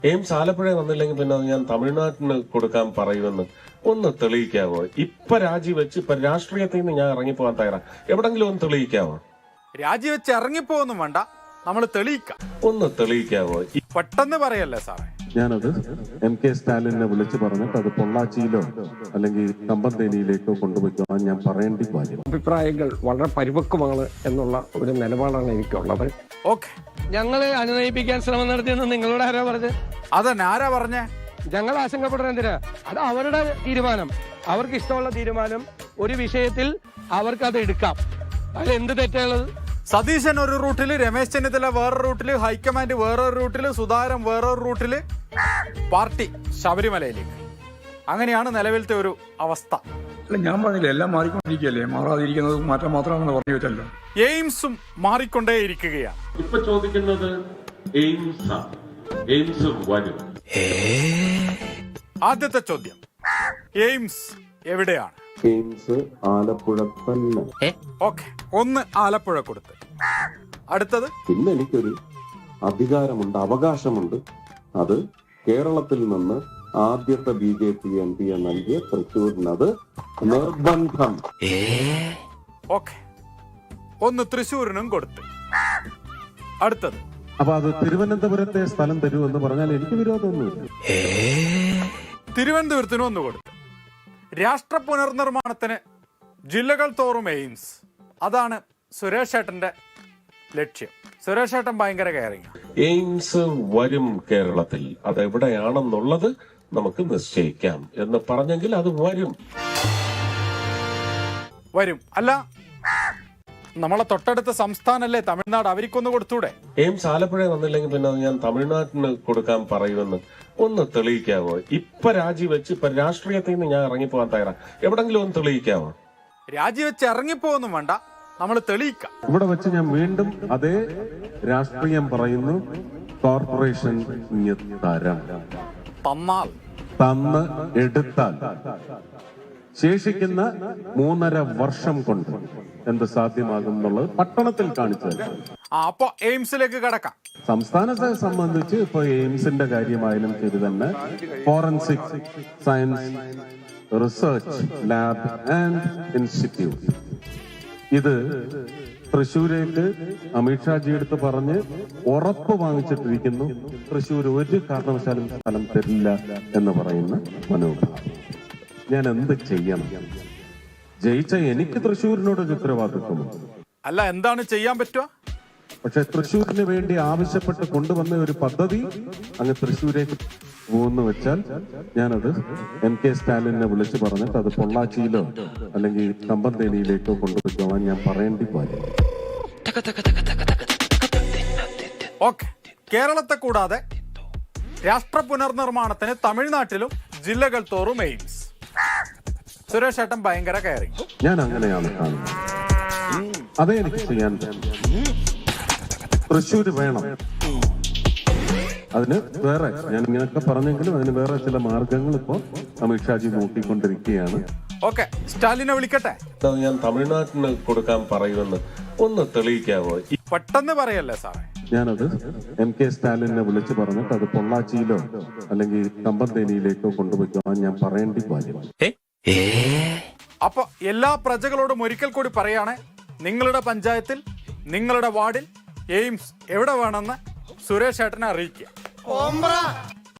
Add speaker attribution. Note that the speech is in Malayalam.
Speaker 1: എയിംസ് ആലപ്പുഴ വന്നില്ലെങ്കിൽ പിന്നെ അത് ഞാൻ തമിഴ്നാട്ടിന് കൊടുക്കാൻ പറയുമെന്ന് ഒന്ന് തെളിയിക്കാവോ? ഇപ്പൊ രാജിവെച്ച് ഇപ്പൊ രാഷ്ട്രീയത്തിൽ നിന്ന് ഞാൻ ഇറങ്ങിപ്പോകാൻ തയ്യാറാ. എവിടെങ്കിലും ഒന്ന് തെളിയിക്കാവോ?
Speaker 2: രാജിവെച്ച് ഇറങ്ങിപ്പോന്നും വേണ്ട, നമ്മൾ തെളിയിക്കാം.
Speaker 1: ഒന്ന് തെളിയിക്കാവോ?
Speaker 2: പെട്ടെന്ന് പറയല്ലേ സാറേ.
Speaker 3: ഞാനത് MK സ്റ്റാലിനെ വിളിച്ചു പറഞ്ഞിട്ട് അത് പൊള്ളാച്ചിയിലോ അല്ലെങ്കിൽ കമ്പന്തേനിയിലേക്കോ കൊണ്ടുപോയിക്കോളാൻ ഞാൻ പറയേണ്ടി കാര്യം.
Speaker 4: അഭിപ്രായങ്ങൾ വളരെ പരിപക്വമാണ് എന്നുള്ള ഒരു നിലപാടാണ് എനിക്കുള്ളത്.
Speaker 2: ഓക്കെ,
Speaker 4: ഞങ്ങളെ അനുനയിപ്പിക്കാൻ ശ്രമം നടത്തിയെന്ന് നിങ്ങളോട് ആരാ പറഞ്ഞത്?
Speaker 2: അതന്നെ ആരാ പറഞ്ഞേ?
Speaker 4: ഞങ്ങൾ ആശങ്കപ്പെടുന്നത് എന്തിനാ? അത് അവരുടെ തീരുമാനം, അവർക്ക് ഇഷ്ടമുള്ള തീരുമാനം. ഒരു വിഷയത്തിൽ അവർക്ക് അത് എടുക്കാം. അതിൽ എന്ത് തെറ്റുള്ളത്?
Speaker 2: സതീശൻ ഒരു റൂട്ടില്, രമേശ് ചെന്നിത്തല വേറൊരു റൂട്ടില്, ഹൈക്കമാൻഡ് വേറൊരു റൂട്ടില്, സുധാകരൻ വേറൊരു റൂട്ടില്, പാർട്ടി ശബരിമലയിലേക്ക്. അങ്ങനെയാണ് നിലവിലത്തെ ഒരു അവസ്ഥ.
Speaker 5: ഞാൻ പറഞ്ഞില്ല, എല്ലാം മാറിക്കൊണ്ടിരിക്കുകയല്ലേ, മാറാതിരിക്കുന്നത് മാറ്റം മാത്രമാണെന്ന് പറഞ്ഞു വെച്ചല്ലോ.
Speaker 2: എയിംസും മാറിക്കൊണ്ടേയിരിക്കുകയാണ്.
Speaker 1: ഇപ്പൊ ചോദിക്കുന്നത് എയിംസ് വരും.
Speaker 2: ആദ്യത്തെ ചോദ്യം, എയിംസ് എവിടെയാണ്?
Speaker 3: എയിംസ് ആലപ്പുഴ തന്നെ.
Speaker 2: ഓക്കെ, ഒന്ന് ആലപ്പുഴ കൊടുത്ത്. അടുത്തത്,
Speaker 3: പിന്നെ എനിക്കൊരു അധികാരമുണ്ട്, അവകാശമുണ്ട്. അത് കേരളത്തിൽ നിന്ന് ആദ്യത്തെ BJP MP നൽകിയ തൃശ്ശൂരിനത് നിർബന്ധം.
Speaker 2: ഓക്കെ, ഒന്ന് തൃശ്ശൂരിനും കൊടുത്ത്. അടുത്തത്,
Speaker 3: അപ്പൊ അത് തിരുവനന്തപുരത്തെ സ്ഥലം തരൂ എന്ന് പറഞ്ഞാൽ എനിക്ക് വിരോധമൊന്നുമില്ല.
Speaker 2: തിരുവനന്തപുരത്തിനും ഒന്ന് കൊടുത്ത്. രാഷ്ട്ര പുനർനിർമ്മാണത്തിന് ജില്ലകൾ തോറും എയിംസ്, അതാണ് സുരേഷ് ഏട്ടന്റെ ലക്ഷ്യം. സുരേഷ് ഏട്ടൻ ഭയങ്കര കെയറിങ്.
Speaker 1: എയിംസ് വരും കേരളത്തിൽ. അതെവിടെയാണെന്നുള്ളത് നമുക്ക് നിശ്ചയിക്കാം എന്ന് പറഞ്ഞെങ്കിൽ അത് വരും.
Speaker 2: വരും അല്ല, നമ്മളെ തൊട്ടടുത്ത സംസ്ഥാനല്ലേ തമിഴ്നാട്, അവർക്കൊന്ന് കൊടുത്തൂടെ?
Speaker 1: എയിംസ് ആലപ്പുഴ വന്നില്ലെങ്കിൽ പിന്നെ അത് ഞാൻ തമിഴ്നാട്ടിന് കൊടുക്കാൻ പറയുമെന്ന് ഒന്ന് തെളിയിക്കാവോ? ഇപ്പൊ രാജിവെച്ച് ഇപ്പൊ രാഷ്ട്രീയത്തിൽ നിന്ന് ഞാൻ ഇറങ്ങിപ്പോകാൻ തയ്യാറാ. എവിടെങ്കിലും ഒന്ന് തെളിയിക്കാവോ?
Speaker 2: രാജിവെച്ച് ഇറങ്ങിപ്പോന്നും വേണ്ട, നമ്മൾ തെളിയിക്കാം.
Speaker 3: ഇവിടെ വെച്ച് ഞാൻ വീണ്ടും അതേ രാഷ്ട്രീയം പറയുന്നു. കോർപ്പറേഷൻ തരം
Speaker 2: തന്നാൽ,
Speaker 3: തന്ന് എടുത്താൽ ശേഷിക്കുന്ന 3.5 വർഷം കൊണ്ട് എന്ത് സാധ്യമാകും എന്നുള്ളത് പട്ടണത്തിൽ കാണിച്ചു.
Speaker 2: അപ്പൊ എയിംസിലേക്ക് കടക്കാം.
Speaker 3: സംസ്ഥാനത്തെ സംബന്ധിച്ച് ഇപ്പൊ എയിംസിന്റെ കാര്യമായാലും ശരി തന്നെ, forensic science research lab and institute, ഇത് തൃശ്ശൂരേക്ക് അമിത്ഷാജി എടുത്ത് പറഞ്ഞ് ഉറപ്പ് വാങ്ങിച്ചിട്ടിരിക്കുന്നു. തൃശ്ശൂർ ഒരു കാരണവശാലും സ്ഥലം തരില്ല എന്ന് പറയുന്ന മനോഭാവം. ഞാൻ എന്ത് ചെയ്യണം? ജയിച്ച എനിക്ക് തൃശ്ശൂരിനോടൊരു ഉത്തരവാദിത്വമുണ്ട്.
Speaker 2: അല്ല, എന്താണ് ചെയ്യാൻ പറ്റുക?
Speaker 3: പക്ഷെ തൃശ്ശൂരിന് വേണ്ടി ആവശ്യപ്പെട്ട് കൊണ്ടുവന്ന ഒരു പദ്ധതി അങ്ങ് തൃശ്ശൂരേക്ക് പോകുന്നു വെച്ചാൽ ഞാനത് MK സ്റ്റാലിനെ വിളിച്ചു പറഞ്ഞിട്ട് അത് പൊള്ളാച്ചിയിലോ അല്ലെങ്കിൽ കമ്പന്തേനിയിലേക്കോ കൊണ്ടുപോയിക്കോളാൻ ഞാൻ പറയേണ്ടി കാര്യം.
Speaker 2: ഓക്കെ, കേരളത്തെ കൂടാതെ രാഷ്ട്ര പുനർനിർമ്മാണത്തിന് തമിഴ്നാട്ടിലും ജില്ലകൾ തോറും എയിംസ്. സുരേഷ് ഏട്ടൻ ഭയങ്കര കെയറിങ്.
Speaker 3: ഞാൻ അങ്ങനെയാണ് കാണുന്നത്. അതേ എനിക്ക് ചെയ്യാൻ പറ്റും. തൃശ്ശൂര് വേണം. അതിന് വേറെ, ഞാൻ ഇങ്ങനെയൊക്കെ പറഞ്ഞെങ്കിലും അതിന് വേറെ ചില മാർഗങ്ങൾ ഇപ്പോ അമിത്ഷാജി നോക്കിക്കൊണ്ടിരിക്കുകയാണ്.
Speaker 2: ഓക്കെ, സ്റ്റാലിനെ വിളിക്കട്ടെ.
Speaker 1: അത് ഞാൻ തമിഴ്നാട്ടിന് കൊടുക്കാൻ പറയുമെന്ന് ഒന്ന് തെളിയിക്കാവോ?
Speaker 2: പെട്ടെന്ന് പറയല്ലേ സാറേ.
Speaker 3: ഞാനത് MK സ്റ്റാലിനെ വിളിച്ചു പറഞ്ഞിട്ട് അത് പൊള്ളാച്ചിയിലോ അല്ലെങ്കിൽ കമ്പന്തേനിയിലേക്കോ കൊണ്ടുപോയിക്കോളാൻ ഞാൻ പറയേണ്ടി കാര്യം.
Speaker 2: അപ്പൊ എല്ലാ പ്രജകളോടും ഒരിക്കൽ കൂടി പറയാണ്, നിങ്ങളുടെ പഞ്ചായത്തിൽ, നിങ്ങളുടെ വാർഡിൽ എയിംസ് എവിടെ വേണമെന്ന് സുരേഷ് ഏട്ടനെ അറിയിക്കുക.